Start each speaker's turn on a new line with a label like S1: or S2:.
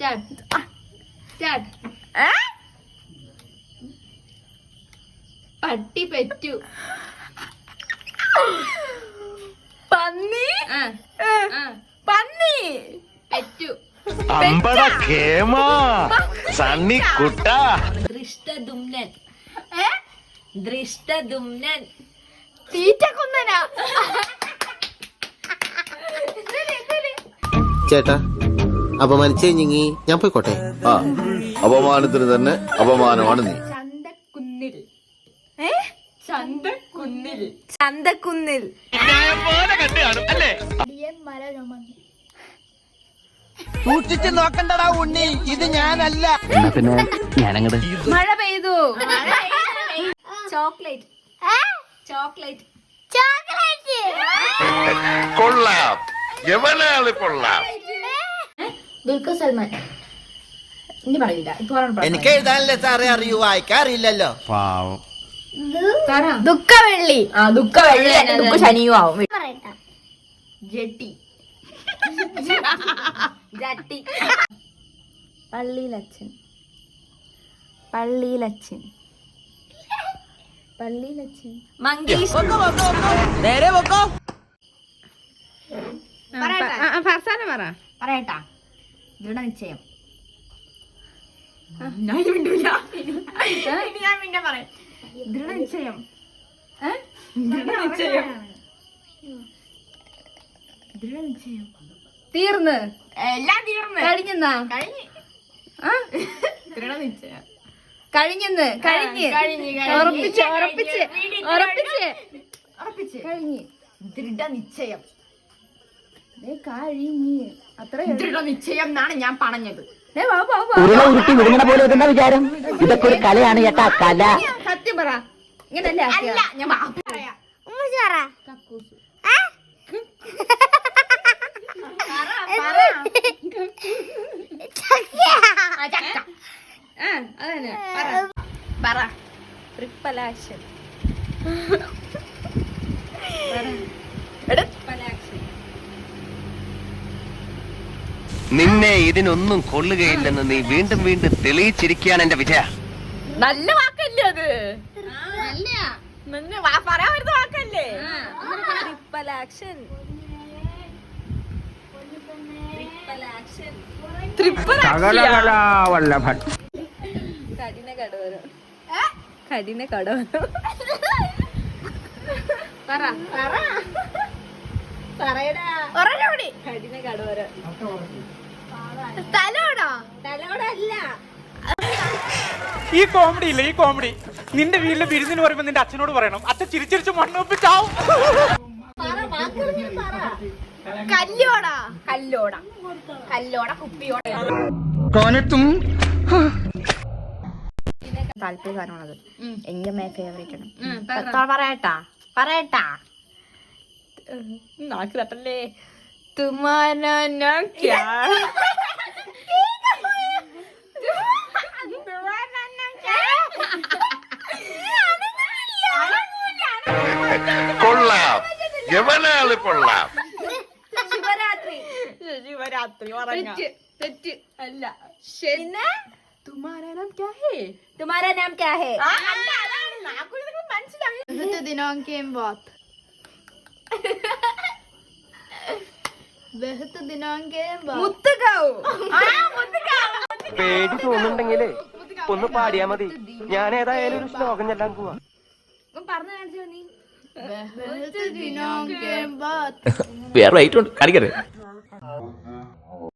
S1: പട്ടി പെറ്റു.
S2: പന്നി പന്നി
S1: പെറ്റു. ദൃഷ്ടദുമ്നൻ. ദൃഷ്ടദുമ്നൻ.
S2: തീറ്റക്കുന്നനാ.
S3: ചേട്ടാ അപമാനിച്ചേ ഞങ്ങി ഞാൻ പോയിക്കോട്ടെ.
S4: ആ അപമാനത്തിന് തന്നെ അപമാനമാണ് നീ.
S1: ചന്തക്കുന്നിൽ.
S2: ചന്തക്കുന്നിൽ. ചന്തക്കുന്നിൽ.
S5: സൂക്ഷിച്ച് നോക്കണ്ടടാ ഉണ്ണി, ഇത് ഞാനല്ല.
S6: പിന്നെ ഞാനങ്ങട്
S2: മഴ പെയ്തു.
S1: ചോക്ലേറ്റ്. ചോക്ലേറ്റ്.
S4: കൊള്ളാം, എവനാള് കൊള്ളാം.
S1: ദുൽഖർ സൽമാൻ. ഇനി പറയില്ല.
S5: എനിക്ക് എഴുതാനല്ലേ സാറേ അറിയൂ, വായിക്കാറില്ലല്ലോ.
S2: ദുഃഖവെള്ളി. ദുഃഖവെള്ളി ദുഃഖ ശനിയും ആവും.
S1: ജെട്ടി.
S2: ജട്ടി. പള്ളിയിലച്ഛൻ. പള്ളിയിലച്ഛൻ. പള്ളിയിലച്ഛൻ. മങ്കീഷ്.
S5: നേരെ വെക്കോ.
S2: ഫർസാന പറ.
S1: പറയട്ടാ. ദൃഢനിശ്ചയം.
S2: ഞാൻ മിണ്ടൂല.
S1: ഞാൻ പിന്നെ പറയാം. ദൃഢനിശ്ചയം.
S2: ദൃഢനിശ്ചയം.
S1: ദൃഢനിശ്ചയം.
S2: തീർന്ന്
S1: എല്ലാം തീർന്ന്
S2: കഴിഞ്ഞെന്നാ.
S1: കഴിഞ്ഞ്. ദൃഢനിശ്ചയം.
S2: കഴിഞ്ഞെന്ന്. കഴിഞ്ഞ്. ഉറപ്പിച്ച് ഉറപ്പിച്ച് ഉറപ്പിച്ച്
S1: ഉറപ്പിച്ച്.
S2: കഴിഞ്ഞ്.
S1: ദൃഢനിശ്ചയം.
S2: കഴിഞ്ഞ്. അത്ര
S1: ദൃഢനിശ്ചയം എന്നാണ് ഞാൻ പറഞ്ഞത്.
S6: ഉരുട്ടി വിടുങ്ങണ പോലെ ഇതെന്താ വിചാരം? ഇതൊക്കെ ഒരു കലയാണ് ചേട്ടാ, കല.
S2: സത്യം പറ. ഇങ്ങനല്ലേ
S1: അല്ല, ഞാൻ പറയാം. കക്കൂസ്.
S2: അതന്നെ
S1: പറ.
S2: Triple action.
S7: നിന്നെ ഇതിനൊന്നും കൊള്ളുകയില്ലെന്ന് നീ വീണ്ടും വീണ്ടും തെളിയിച്ചിരിക്കുകയാണ് എന്റെ വിജയ.
S2: നല്ല വാക്കല്ലേ അത്? പറയാൻ വരുന്ന വാക്കല്ലേ? ട്രിപ്പൽ ആക്ഷൻ. കഠിന കടവരം. കഠിന കടവരം. പറ.
S1: പറയടാ.
S2: കഠിന കടവരം.
S1: തലോടാ.
S2: തലോടല്ല.
S8: ഈ കോമഡി ഇല്ല, ഈ കോമഡി നിന്റെ വീട്ടിലെ വിരുന്നിന് പറയുമ്പോ നിന്റെ അച്ഛനോട് പറയണം. അച്ഛൻ ചിരിച്ചിരിച്ച് മണ്ണൊപ്പിച്ചാവും.
S1: കല്ലോടാ.
S2: കല്ലോട.
S1: കല്ലോട. കുപ്പിയോട.
S2: താല്പര്യ സാധനമാണത്. എന്റെ ഫേവറേറ്റ് ആണ്.
S1: പറയട്ടാ.
S2: നാക്ക് തട്ടല്ലേ. തുമാരാ നാം ക്യാ.
S4: കൊള്ളാം, എവനാള് കൊള്ളാം.
S2: ശിവരാത്രി.
S1: തെറ്റ്.
S2: അല്ല. പിന്നെ തുമാരാ നാം ക്യാ ഹേ. തുമാരാ നാം ക്യാ ഹേ.
S1: ബഹുത് ദിനോं के बाद. ബഹുത് ദിനോं के बाद.
S2: മുത്തുകാവ്.
S7: പേടി തോന്നുന്നുണ്ടെങ്കിലേ ഒന്ന് പാടിയാ മതി. ഞാൻ ഏതായാലും ഒരു ശ്ലോകം ചെല്ലാൻ പോവാ.
S2: പറഞ്ഞു കാണിച്ചോ നീ.
S1: ബഹുത് ദിനോं के बाद.
S6: വേറെ റൈറ്റ് ഉണ്ട് കാണിക്കരുത്.